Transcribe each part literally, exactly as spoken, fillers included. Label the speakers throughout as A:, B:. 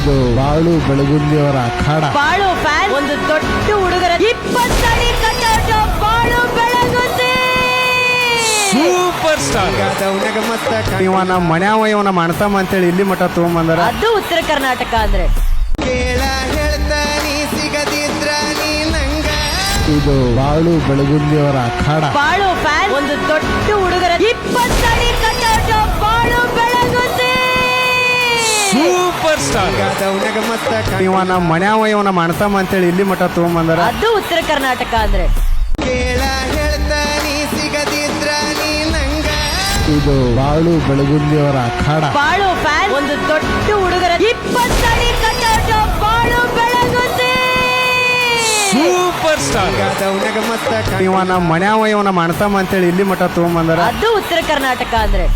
A: ಇದು ಬಾಳು ಬೆಳಗುಂದಿಯವರ ಅಖಾಡ.
B: ಬಾಳು ಫ್ಯಾನ್ ಒಂದು ದೊಡ್ಡ ಹುಡುಗರ ಇಪ್ಪತ್ತಡಿ ಕಟ್ಟಾಟ ಬಾಳು ಬೆಳಗುಂದಿ
C: ಸೂಪರ್ ಸ್ಟಾರ್.
A: ಇವ ನಮ್ಮ ಮನ್ಯಾವ ಇವನ ಮಾಡ್ತಾಮ ಅಂತೇಳಿ ಇಲ್ಲಿ ಮಠ ತಗೊಂಬಂದಾರ.
B: ಅದು ಉತ್ತರ ಕರ್ನಾಟಕ ಅಂದ್ರೆ
A: ಇದು ಬಾಳು ಬೆಳಗುಂದಿಯವರ ಅಖಾಡ.
B: ಬಾಳು ಫ್ಯಾನ್ ಒಂದು ದೊಡ್ಡ ಹುಡುಗರ ಇಪ್ಪತ್ತಡಿ ಕಟ್ಟಾಟ ಬಾಳು ಬೆಳಗುಂದಿ
C: ಸೂಪರ್ ಸ್ಟಾರ್.
A: ಇವ ನಮ್ಮ ಮನ್ಯಾವ ಇವನ ಮಾಡ್ತಾಮ ಅಂತೇಳಿ ಇಲ್ಲಿ ಮಠ ತಗೊಂಬಂದಾರ.
B: ಅದು ಉತ್ತರ ಕರ್ನಾಟಕ ಅಂದ್ರೆ
A: ಇದು ಬಾಳು ಬೆಳಗುಂದಿಯವರ ಅಖಾಡ.
B: ಬಾಳು ಫ್ಯಾನ್ ಒಂದು ದೊಡ್ಡ ಹುಡುಗರ ಇಪ್ಪತ್ತಡಿ ಕಟ್ಟಾಟ ಬಾಳು ಬೆಳಗುಂದಿ
C: ಸೂಪರ್ ಸ್ಟಾರ್.
A: ಇವ ನಮ್ಮ ಮನ್ಯಾವ ಇವನ ಮಾಡ್ತಾಮ ಅಂತೇಳಿ ಇಲ್ಲಿ ಮಠ ತಗೊಂಬಂದಾರ.
B: ಅದು ಉತ್ತರ ಕರ್ನಾಟಕ ಅಂದ್ರೆ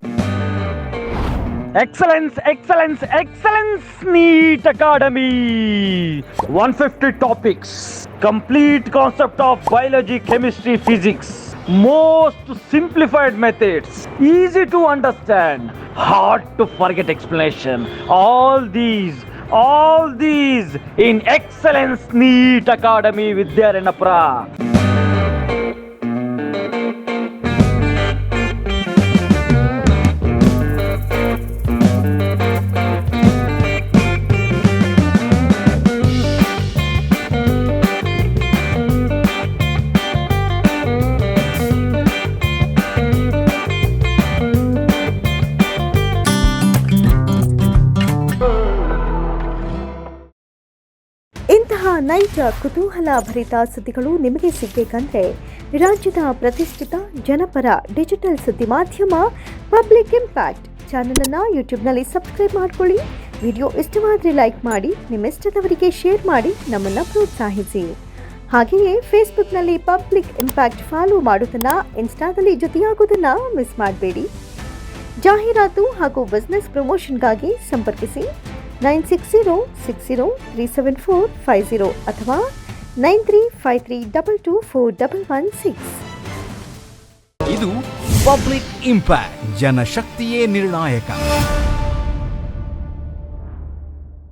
D: Excellence, excellence, excellence, NEET Academy. one hundred fifty topics, complete concept of biology, chemistry, physics, most simplified methods, easy to understand, hard to forget explanation. All these, all these in Excellence NEET Academy Vidyaranapura.
E: ಇಂತಹ ನೈಜ ಕುತೂಹಲ ಭರಿತ ಸುದ್ದಿಗಳು ನಿಮಗೆ ಸಿಗಬೇಕಂದ್ರೆ ರಾಜ್ಯದ ಪ್ರತಿಷ್ಠಿತ ಜನಪರ digital ಸುದ್ದಿ ಮಾಧ್ಯಮ ಪಬ್ಲಿಕ್ ಇಂಪ್ಯಾಕ್ಟ್ ಚಾನಲನ್ನು ಯೂಟ್ಯೂಬ್ನಲ್ಲಿ ಸಬ್ಸ್ಕ್ರೈಬ್ ಮಾಡಿಕೊಳ್ಳಿ. ವಿಡಿಯೋ ಇಷ್ಟವಾದರೆ ಲೈಕ್ ಮಾಡಿ, ನಿಮ್ಮ ಇಷ್ಟದವರಿಗೆ ಶೇರ್ ಮಾಡಿ ನಮ್ಮನ್ನು ಪ್ರೋತ್ಸಾಹಿಸಿ. ಹಾಗೆಯೇ ಫೇಸ್ಬುಕ್ನಲ್ಲಿ ಪಬ್ಲಿಕ್ ಇಂಪ್ಯಾಕ್ಟ್ ಫಾಲೋ ಮಾಡೋದನ್ನು, ಇನ್ಸ್ಟಾದಲ್ಲಿ ಜೊತೆಯಾಗೋದನ್ನು ಮಿಸ್ ಮಾಡಬೇಡಿ. ಜಾಹೀರಾತು ಹಾಗೂ ಬಿಸ್ನೆಸ್ ಪ್ರಮೋಷನ್ಗಾಗಿ ಸಂಪರ್ಕಿಸಿ nine six zero six zero three seven four five zero ಅಥವಾ nine three five three double two four double one six.
C: ಇದು ಪಬ್ಲಿಕ್ ಇಂಪ್ಯಾಕ್ಟ್, ಜನಶಕ್ತಿಯೇ ನಿರ್ಣಾಯಕ.